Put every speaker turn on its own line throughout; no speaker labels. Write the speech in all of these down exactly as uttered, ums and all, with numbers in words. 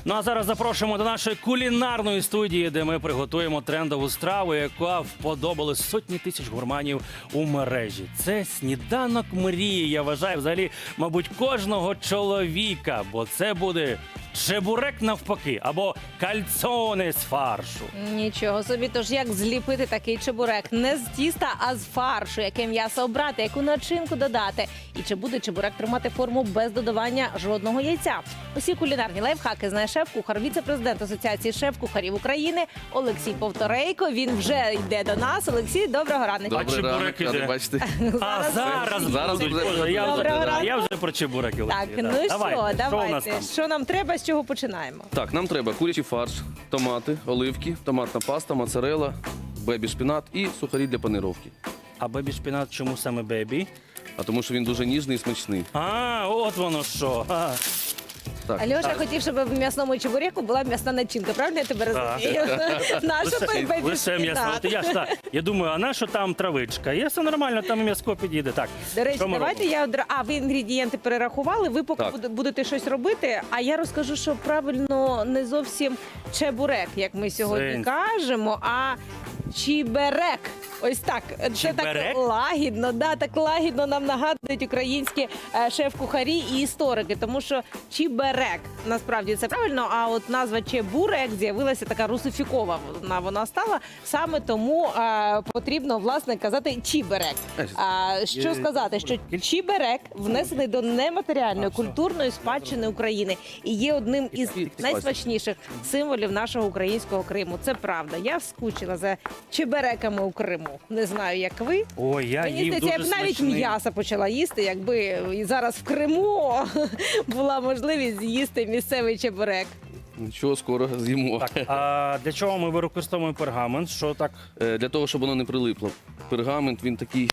Ну а зараз запрошуємо до нашої кулінарної студії, де ми приготуємо трендову страву, яка вподобали сотні тисяч гурманів у мережі. Це сніданок мрії, я вважаю, взагалі, мабуть, кожного чоловіка, бо це буде чебурек навпаки, або кальцоне з фаршу.
Нічого собі, тож як зліпити такий чебурек? Не з тіста, а з фаршу. Яке м'ясо обрати, яку начинку додати? І чи буде чебурек тримати форму без додавання жодного яйця? Усі кулінарні лайфхаки знає шеф-кухар, віце-президент Асоціації шеф-кухарів України Олексій Повторейко. Він вже йде до нас. Олексій, доброго ранку.
Добрий ранок,
Чебурек іде.
радий
бачити.
А зараз,
Зараз
будуть.
буде.
Боже, я,
Доброго
вже,
ранку.
я вже про чебуреки.
Так,
Олексій,
ну
да.
що,
Давайте, що у нас
давайте.
там?
Що нам треба, з чого починаємо?
Так, нам треба курячий фарш, томати, оливки, томатна паста, моцарелла, бебі-шпінат і сухарі для панировки.
А бебі-шпінат чому саме бебі?
А тому що він дуже ніжний і смачний.
А, от воно що. А.
Так,
Альоша хотів, щоб в м'ясному чебуреку була м'ясна начинка. Правильно я тебе
Так.
розумію? Наша
Лише, лише м'ясо. От Я, ж, так, я думаю, а на що там травичка? Є все нормально, там м'яско підійде. Так,
До речі,
що ми
давайте
робимо?
я одра... А, ви інгредієнти перерахували, ви поки
Так.
буде- будете щось робити, а я розкажу, що правильно не зовсім чебурек, як ми сьогодні
Сенс.
кажемо, а чіберек. Ось так. Це
Чіберек?
так лагідно, да, так лагідно нам нагадують українські е, шеф-кухарі і історики, тому що чіберек, насправді це правильно, а от назва чебурек з'явилася така русифікова, вона, вона стала, саме тому е, потрібно, власне, казати чіберек. А, що
Є-
сказати, що чіберек внесений до нематеріальної
А, все.
культурної спадщини України і є одним із
Такий
найсмачніших символів нашого українського Криму. Це правда. Я скучила за чебереками у Криму. Не знаю, як ви.
Ой, я
Мені
їв
здається, я
дуже
б навіть
смачний.
м'яса почала їсти, якби і зараз в Криму була можливість з'їсти місцевий чебурек.
Нічого, скоро з'їмо.
Так, а для чого ми використовуємо пергамент? Що так?
Е, Для того, щоб воно не прилипло. Пергамент, він такий,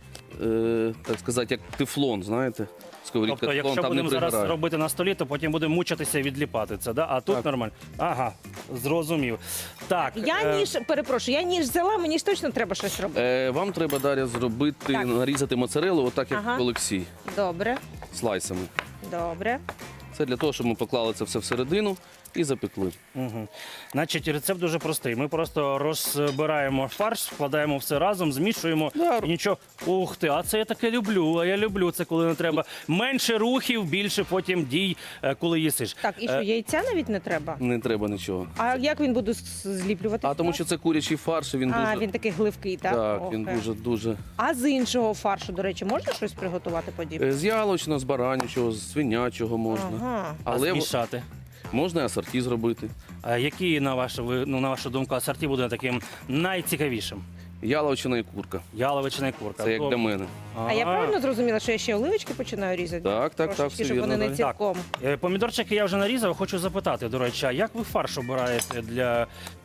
е, так сказати, як тефлон, знаєте? Сковорідка
Тобто,
тефлон,
якщо
там не
будемо зараз
пригорає.
робити на столі, то потім будемо мучитися відліпати це, да? А тут
Так.
нормально. Ага, зрозумів. Так,
Я
е,
ніж, перепрошую, я ніж взяла, мені ж точно треба щось робити.
Е, Вам треба, Дар'я, зробити,
Так.
нарізати моцарелу, отак, як
Ага.
Олексій,
Добре,
слайсами.
добре.
Це для того, щоб ми поклали це все всередину і запекли.
Угу. Значить, рецепт дуже простий. Ми просто розбираємо фарш, вкладаємо все разом, змішуємо
Да.
і нічого. Ух ти, а це я таке люблю. А я люблю це, коли не треба. Менше рухів, більше потім дій, е, коли їсиш.
Так, і що,
Е,
яйця навіть не треба?
Не треба нічого.
А як він буде з- зліплювати?
А тому що це курячий фарш, і він
А,
дуже.
він такий гливкий, так?
Так,
Ох,
він
е.
дуже дуже.
А з іншого фаршу, до речі, можна щось приготувати подібне?
Е, З яловичного, з баранячого, з свинячого можна.
Ага.
а
Але в-
змішати.
можна і асорті зробити.
А які, на вашу, ви- ну, на вашу думку, асорті буде таким найцікавішим?
Яловичина і курка.
Яловичина і курка.
Це як для мене.
А я правильно зрозуміла, що я ще оливочки починаю різати?
Так, так, так,
Трошечки,
все
щоб вони
вірно,
не
так.
цілком.
Е, Помідорчики я вже нарізав, хочу запитати, до речі, а як ви фарш обираєте для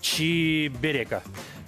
чіберека?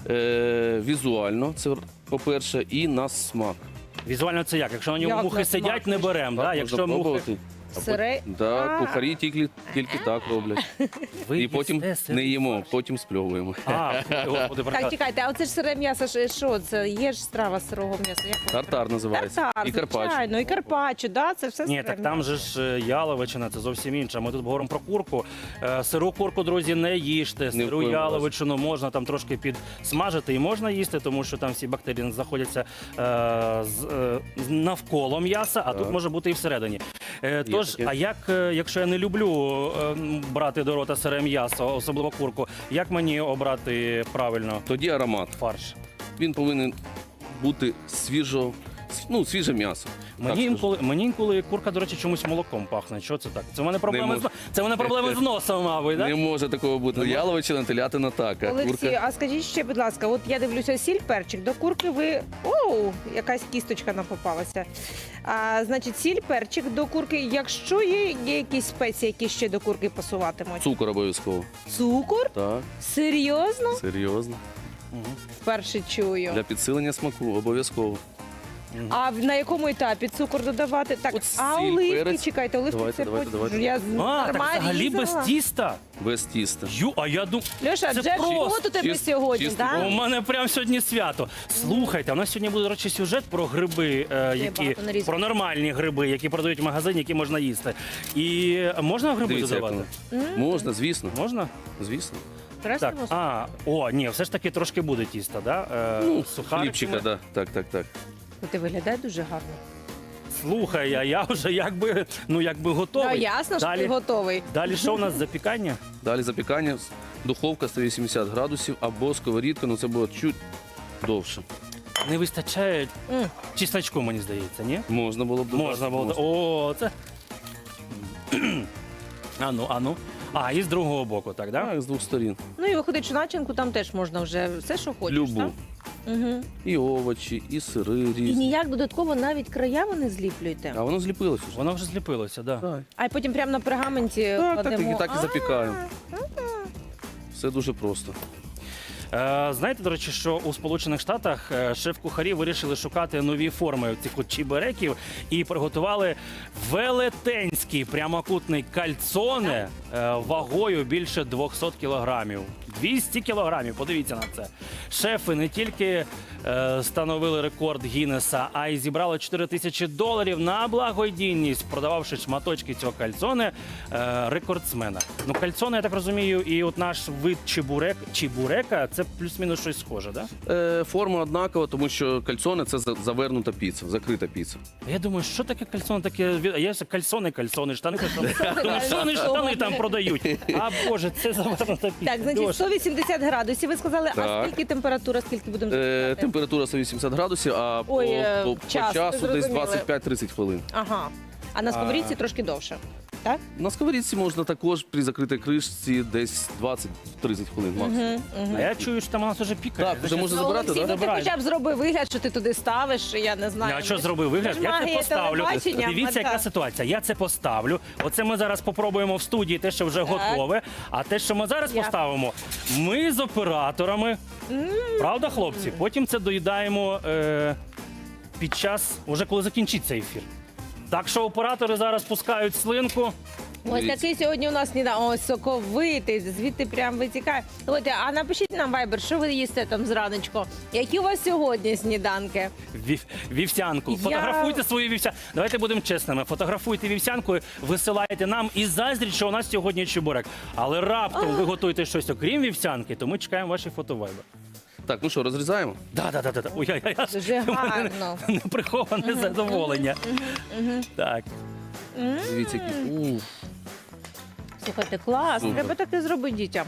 Е, візуально, це по-перше, і на смак.
Візуально це як? Якщо на ньому
Як
мухи
на
сидять,
смак?
не беремо.
Так,
Да?
можна
Якщо мухи...
пробувати. А
Сире-
пот- Да,
А.
кухарі тільки, тільки так роблять.
Ви
І потім
їсте сирий
не їмо,
фарш?
потім спльовуємо.
А, господи,
Так,
прекрасно.
чекайте, а оце ж сире м'ясо, ж- що це? Є ж страва з сирого м'яса. Як воно?
Тартар називається.
Тартар,
І карпач.
звичайно, і карпаччо, да? Це все
Ні,
сире
так там
м'ясо.
же ж е, яловичина, це зовсім інше. Ми тут говоримо про курку. Е, Сиру курку, друзі, не їжте.
Ні в
Сиру
коєму
яловичину можна там трошки підсмажити і можна їсти, тому що там всі бактерії знаходяться е, з, е, з- навколо м'яса, а тут
Так.
може бути і всередині. Е, Тож,
таке.
а як, е, якщо я не люблю е, м, брати до рота сире м'ясо, особливо курку, як мені обрати правильно
Тоді аромат.
фарш?
Він повинен бути свіжо, ну, свіже м'ясо.
Мені
Так
інколи, мені інколи курка, до речі, чомусь молоком пахне. Що це так? Це в мене проблеми, з,
може.
це в мене проблеми з носом, мабуть,
Не
так?
може такого бути.
може?
Яловичина, телятина так, а
Олексій,
курка.
а скажіть ще, будь ласка, от я дивлюся сіль, перчик, до курки ви... Оу, якась кісточка нам попалася. А, значить, сіль, перчик до курки. Якщо є, є якісь спеції, які ще до курки пасуватимуть?
Цукор обов'язково.
Цукор?
Так,
Серйозно?
серйозно.
Мгм.
Вперше чую.
Для підсилення смаку обов'язково.
А в- на якому етапі цукор додавати? Так,
От
а
сіль,
оливки,
перець.
чекайте, оливки
Давайте,
це
давайте,
потім.
давайте.
Я
А, так
нормально
взагалі без
різала.
тіста?
Без тіста.
Ю, а я думаю,
Льоша,
це
джекпот
просто
у тебе
чист-
сьогодні,
чистий
так?
у мене прямо сьогодні свято. Слухайте, у нас сьогодні буде, до речі, сюжет про гриби, е, які
багато нарізок.
про нормальні гриби, які продають в магазині, які можна їсти. І можна гриби
Дивіться, як
додавати?
воно. Можна, звісно.
Можна?
Звісно.
Так.
Красиво.
А, о, ні, все ж таки трошки буде тіста, да? Е,
Ну,
сухариками.
хлібчика, да. Так, так, так.
Ти виглядаєш дуже гарно.
Слухай, а я вже якби, ну, якби готовий.
Ну, ясно, що
Далі,
ти готовий.
далі що у нас запікання?
Далі запікання, духовка сто вісімдесят градусів або сковорідка, ну це буде чуть довше.
Не вистачає
М.
чесночку, мені здається, ні?
Можна було б додати.
Можна було. О, це. Ану, ану. А, і з другого боку, так, да?
Так, з двох сторін.
Ну і виходить, що начинку там теж можна вже все, що хочеш,
Любу.
так? Угу.
І овочі, і сири
І
різні.
ніяк додатково навіть края ви не зліплюєте.
А воно зліпилось уже.
Воно вже зліпилося, так. Да.
Так,
А й потім прямо на пергаменті
так, так,
кладемо.
і так і
А,
запікаємо. Все дуже просто.
Е, знаєте, до речі, що у Сполучених Штатах е, шеф-кухарі вирішили шукати нові форми цих от чібереків і приготували велетенський прямокутний кальцоне е, вагою більше двісті кілограмів. двісті кілограмів, подивіться на це. Шефи не тільки е, становили рекорд Гіннеса, а й зібрали чотири тисячі доларів на благодійність, продававши шматочки цього кальцоне е, рекордсмена. Ну, кальцоне, я так розумію, і от наш вид чебурек, чебурека, це плюс-мінус щось схоже, да?
Е, форма однакова, тому що кальцоне це за- завернута піца, закрита піца.
Я думаю, що таке кальцоне, таке від- а є ж кальцони, кальцони, штани, кальцони. Кальцони, штани там продають. А Боже, це завернута піца.
Так, значить,
Льоша.
сто вісімдесят градусів. Ви сказали, а
Так.
скільки температура, скільки будемо
Е,
запікати?
температура сто вісімдесят градусів, а
Ой,
по,
е,
по, по
час,
часу десь
зрозуміли.
двадцять п'ять тридцять хвилин.
Ага. А на сковорідці трошки довше. Так?
На сковорідці можна також при закритій кришці десь двадцять тридцять хвилин максимум.
А я чую, що там у нас вже пікає.
Так, вже можна
Ну,
забирати,
Олексій,
так?
ну ти
Забирай.
хоча б зроби вигляд, що ти туди ставиш, я не знаю.
А що зробив вигляд?
Це ж
Я це
магія
поставлю.
телебачення,
Дивіться, яка
так.
ситуація. Я це поставлю. Оце ми зараз попробуємо в студії те, що вже готове. А те, що ми зараз
Я.
поставимо, ми з операторами. Правда, хлопці? Потім це доїдаємо е, під час, уже коли закінчиться ефір. Так що оператори зараз пускають слинку.
Ось
Дивіться.
такий сьогодні у нас сніданок. Ось соковитий, звідти прям витікає. Слухайте, а напишіть нам вайбер, що ви їсте там зраночку? Які у вас сьогодні сніданки?
Вів- Вівсянку.
Я-
Фотографуйте свою вівсянку. Давайте будемо чесними. Фотографуйте вівсянку, висилайте нам і заздріть, що у нас сьогодні чебурек. Але раптом ви готуєте щось окрім вівсянки, то ми чекаємо ваші фотовайбер.
Так, ну що, розрізаємо?
Да, да, да, да. Ой, я, я, я.
Дуже гарно.
Неприховане задоволення. Так.
Дивіться, які. Уф.
Слухайте, клас,
Супер.
треба таке зробити дітям.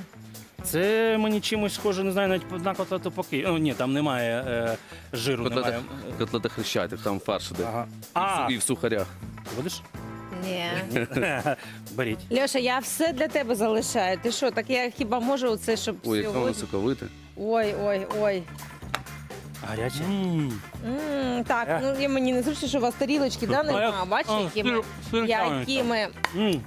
Це мені чимось схоже, не знаю, навіть на котлету поки. О, ні, там немає е, жиру,
Котлета,
немає.
котлета хрещатик, там фарш іде.
Ага.
І,
А,
в, і в сухарях.
будеш?
Ні.
Беріть.
Льоша, я все для тебе залишаю. Ти що, так я хіба можу оце, щоб
Ой, яке воно
сьогодні?
соковите.
Ой, ой, ой.
Гаряче.
М, так,
Е.
ну і мені не зручно, що у вас тарілочки, да, нема. Бачите,
А,
які ми,
сир- сир
які ми.
М.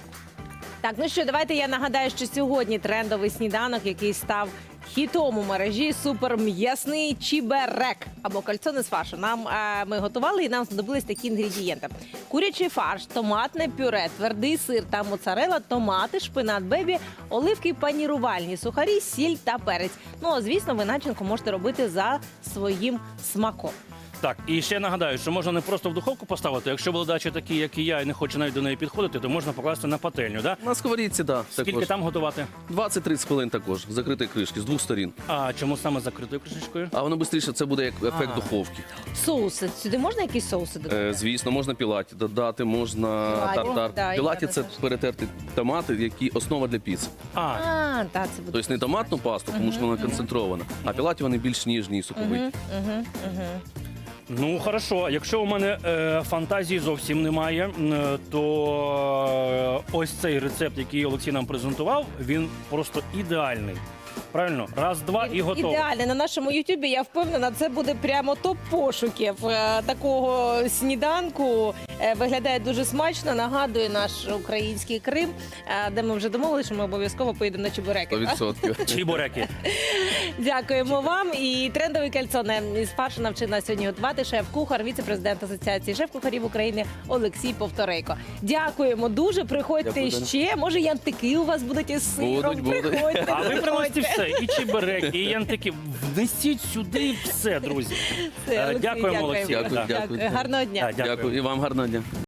Так, ну що, давайте я нагадаю, що сьогодні трендовий сніданок, який став хітом у мережі, суперм'ясний чіберек або кальцоне з фаршу. Нам е, ми готували і нам знадобились такі інгредієнти: курячий фарш, томатне пюре, твердий сир та моцарела, томати, шпинат бебі, оливки панірувальні, сухарі, сіль та перець. Ну, а звісно, ви начинку можете робити за своїм смаком.
Так, і ще нагадаю, що можна не просто в духовку поставити. Якщо володачі такі, як і я, і не хоче навіть до неї підходити, то можна покласти на пательню. Да?
На сковорідці, так. Да,
Скільки там готувати?
двадцять тридцять хвилин також, в закритій кришці, з двох сторін.
А чому саме з закритою кришечкою?
А воно швидше, це буде як ефект
А.
духовки.
Соуси. Сюди можна якісь соуси додати?
Е, звісно, можна пілаті додати, можна
Пілаті,
тартар.
да,
Пілаті
я
це
теж.
перетерти томати, які основа для піци.
А,
А, так, це буде.
Тобто не томатну пасту, тому що вона концентрована, а пілаті вони більш ніжні і соковиті.
Угу, угу.
ну хорошо. Якщо у мене е, фантазії зовсім немає, е, то е, ось цей рецепт, який Олексій нам презентував, він просто ідеальний. Правильно? Раз, два і готово.
Ідеально. На нашому Ютубі, я впевнена, це буде прямо топ пошуків е, такого сніданку. Е, Виглядає дуже смачно, нагадує наш український Крим, е, де ми вже домовилися, що ми обов'язково поїдемо на чебуреки.
сто відсотків.
Чебуреки.
Дякуємо вам. І трендовий кальцоне із фаршу навчив нас сьогодні готувати шеф-кухар, віце-президент Асоціації шеф-кухарів України Олексій Повторейко. Дякуємо дуже. Приходьте
Дякую,
ще. Може, янтики у вас будуть із сиром.
Будуть, будуть.
Приходьте,
А ви
приходьте.
приносите все, і чебуреки, і янтики. Внесіть сюди все, друзі.
Все,
Е,
Олексій,
Дякуємо,
дякуємо.
Олексій.
Дякую,
Да.
дякую.
Гарного дня.
Да,
Дякую. І вам гарного дня.